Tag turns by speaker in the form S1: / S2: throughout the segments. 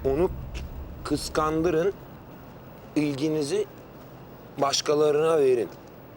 S1: Onu kıskandırın, ilginizi başkalarına verin.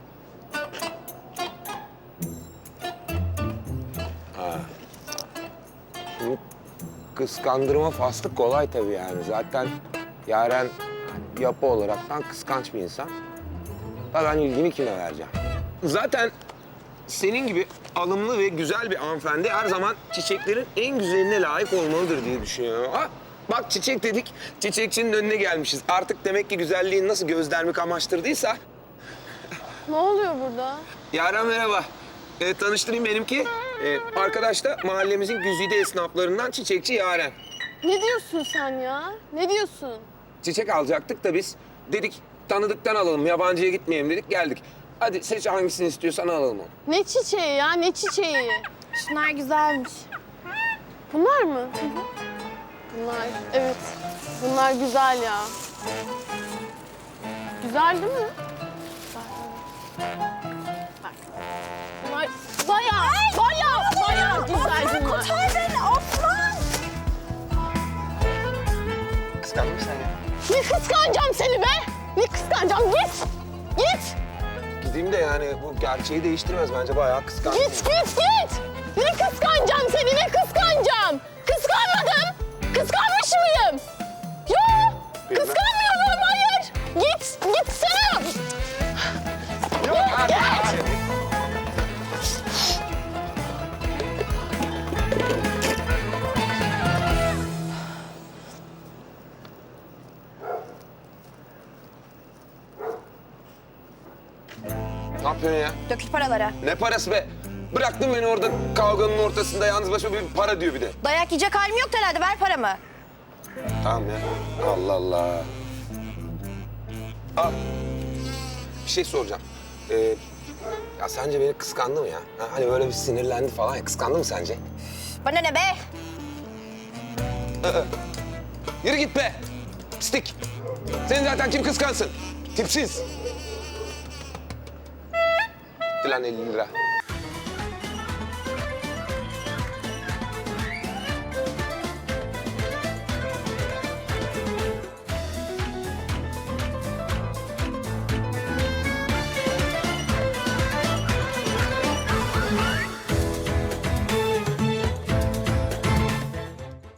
S1: Şimdi kıskandırma faslı kolay tabii yani. Zaten Yaren yapı olaraktan kıskanç bir insan. Da ben ilgimi kime vereceğim? Zaten senin gibi alımlı ve güzel bir hanımefendi her zaman çiçeklerin en güzeline layık olmalıdır diye düşünüyorum. Ha, bak çiçek dedik, çiçekçinin önüne gelmişiz. Artık demek ki güzelliğin nasıl gözlerimi kamaştırdıysa...
S2: Ne oluyor burada?
S1: Yaren merhaba. Tanıştırayım benimki. Arkadaş da mahallemizin güzide esnaflarından çiçekçi Yaren.
S2: Ne diyorsun sen ya? Ne diyorsun?
S1: Çiçek alacaktık da biz dedik tanıdıktan alalım, yabancıya gitmeyelim dedik geldik. Hadi seç hangisini istiyorsan alalım onu.
S2: Ne çiçeği ya? Ne çiçeği? Şunlar güzelmiş. Bunlar mı? Bunlar, evet. Bunlar güzel ya. Güzel değil mi? Bak. Bunlar bayağı güzel bunlar.
S3: Kurtar beni Osman!
S1: Kıskandın mı sen ya?
S2: Ne kıskanacağım seni be? Ne kıskanacağım? Git! Git!
S1: Gideyim de yani bu gerçeği değiştirmez bence bayağı kıskandım.
S2: Git! Ne kıskanacağım seni? Ne kıskanacağım? Kıskanmadım. Kıskanmış mıyım? Yok!
S1: Bilmem.
S2: Kıskanmıyorum, hayır! Gitsene!
S1: Yok artık. Ne yapıyorsun ya?
S3: Dökül paraları.
S1: Ne parası be? Bıraktın beni orada kavganın ortasında yalnız başıma bir para diyor bir de.
S3: Dayak yiyecek halim yok herhalde. Ver paramı.
S1: Tamam ya. Allah Allah. Al. Bir şey soracağım. Ya sence beni kıskandı mı ya? Ha, hani böyle bir sinirlendi falan ya. Kıskandı mı sence?
S3: Bana ne be?
S1: Yürü git be. Pislik. Seni zaten kim kıskansın? Tipsiz. Lan 50 lira.